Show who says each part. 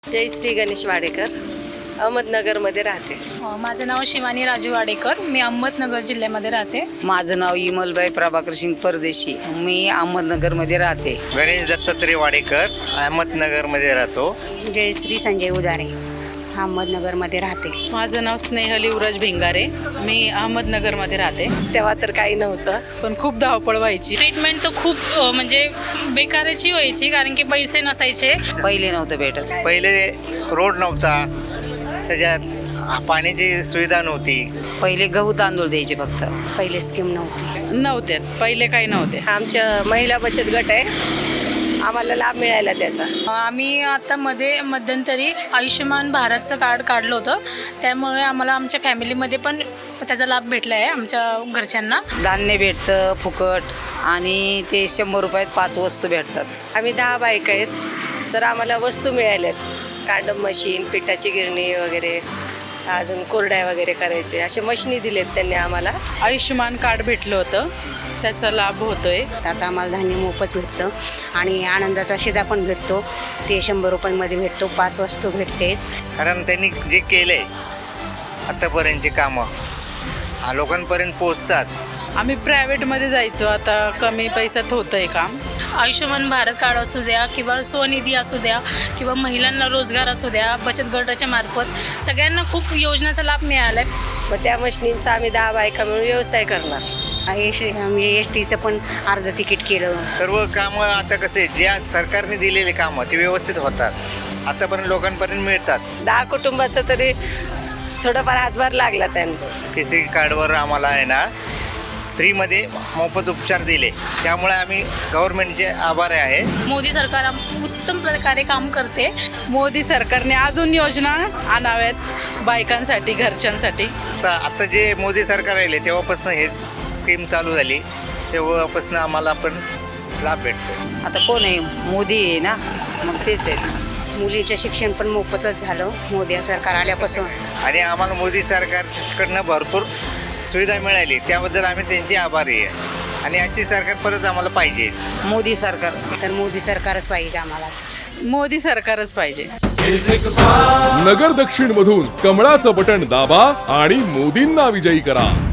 Speaker 1: जयश्री गणेश वाडेकर, अहमदनगरमध्ये राहते.
Speaker 2: माझं नाव शिवानी राजू वाडेकर, मी अहमदनगर जिल्ह्यामध्ये राहते.
Speaker 3: माझं नाव इमलबाई प्रभाकर सिंग परदेशी, मी अहमदनगरमध्ये राहते.
Speaker 4: गणेश दत्तात्रय वाडेकर, अहमदनगरमध्ये राहतो.
Speaker 5: जयश्री संजय उदारे, अहमदनगरमध्ये राहते.
Speaker 6: माझं नाव स्नेहल युवराज भिंगारे, मी अहमदनगरमध्ये राहते.
Speaker 1: तेव्हा तर काही नव्हतं,
Speaker 6: पण खूप धावपळ व्हायची.
Speaker 2: ट्रीटमेंट तर खूप म्हणजे बेकाराची व्हायची, कारण की पैसे नसायचे.
Speaker 3: पहिले नव्हतं भेटत.
Speaker 4: पहिले रोड नव्हता, त्याच्यात पाण्याची सुविधा नव्हती.
Speaker 3: पहिले गहू तांदूळ द्यायचे फक्त.
Speaker 5: पहिले स्कीम नव्हती.
Speaker 6: नव्हते, पहिले काही नव्हते.
Speaker 1: आमच्या महिला बचत गट आहे, आम्हाला लाभ मिळाला त्याचा.
Speaker 2: आम्ही आता मध्यंतरी आयुष्यमान भारतचं कार्ड काढलं होतं, त्यामुळे आम्हाला आमच्या फॅमिलीमध्ये पण त्याचा लाभ भेटला आहे आमच्या घरच्यांना.
Speaker 3: धान्य भेटतं फुकट आणि ते 100 रुपयात 5 वस्तू भेटतात.
Speaker 1: आम्ही 10 बायका आहेत, तर आम्हाला वस्तू मिळाल्यात. कांडम मशीन, पिठाची गिरणी वगैरे, अजून कोरड्या वगैरे करायचे असे मशिनी दिलेत त्यांनी आम्हाला.
Speaker 6: आयुष्यमान कार्ड भेटलं होतं, त्याचा लाभ होतोय.
Speaker 5: आता आम्हाला धान्य मोफत भेटतं आणि आनंदाचा शिदा पण भेटतो. ते 100 रुपयांमध्ये भेटतो. 5 वस्तू भेटते.
Speaker 4: कारण त्यांनी जे केलं आहे आतापर्यंतची कामं लोकांपर्यंत पोचतात.
Speaker 6: आम्ही प्रायव्हेटमध्ये जायचो, आता कमी पैशात होतं आहे काम.
Speaker 2: आयुष्यमान भारत कार्ड असू द्या किंवा स्वनिधी असू द्या किंवा महिलांना रोजगार असू द्या, बचत गटाच्या मार्फत सगळ्यांना खूप योजनेचा लाभ मिळाला आहे.
Speaker 1: मग त्या मशिनींचा आम्ही 10 बायका मिळून व्यवसाय करणार.
Speaker 5: एस.टीचं पण अर्ध तिकीट केलं.
Speaker 4: सर्व कामं आता कसे ज्या सरकारने दिलेले कामं ते व्यवस्थित होतात, आतापर्यंत लोकांपर्यंत मिळतात.
Speaker 1: 10 कुटुंबाचं तरी थोडंफार हातभार लागला त्यांना.
Speaker 4: केसरी कार्डवर आम्हाला आहे ना फ्रीमध्ये मोफत उपचार दिले, त्यामुळे आम्ही गव्हर्नमेंटचे आभारी आहे.
Speaker 2: मोदी सरकार उत्तम प्रकारे काम करते.
Speaker 6: मोदी सरकारने अजून योजना आणाव्यात बायकांसाठी, घरच्यांसाठी.
Speaker 4: आता जे मोदी सरकार राहिले तेव्हापासून हे स्कीम चालू झाली, तेव्हापासून आम्हाला पण लाभ भेटतो.
Speaker 3: आता कोण आहे? मोदी आहे ना, मग तेच आहे.
Speaker 5: मुलींचं शिक्षण पण मोफतच झालं मोदी सरकार आल्यापासून.
Speaker 4: आणि आम्हाला मोदी सरकारकडनं भरपूर सुविधा मिळाली, त्याबद्दल आम्ही त्यांचे आभारी आहे. आणि अशी सरकार परत आम्हाला पाहिजे.
Speaker 3: मोदी सरकार.
Speaker 5: तर मोदी सरकारच पाहिजे आम्हाला.
Speaker 6: मोदी सरकारच पाहिजे.
Speaker 7: नगर दक्षिण मधून कमळाचं बटन दाबा आणि मोदींना विजयी करा.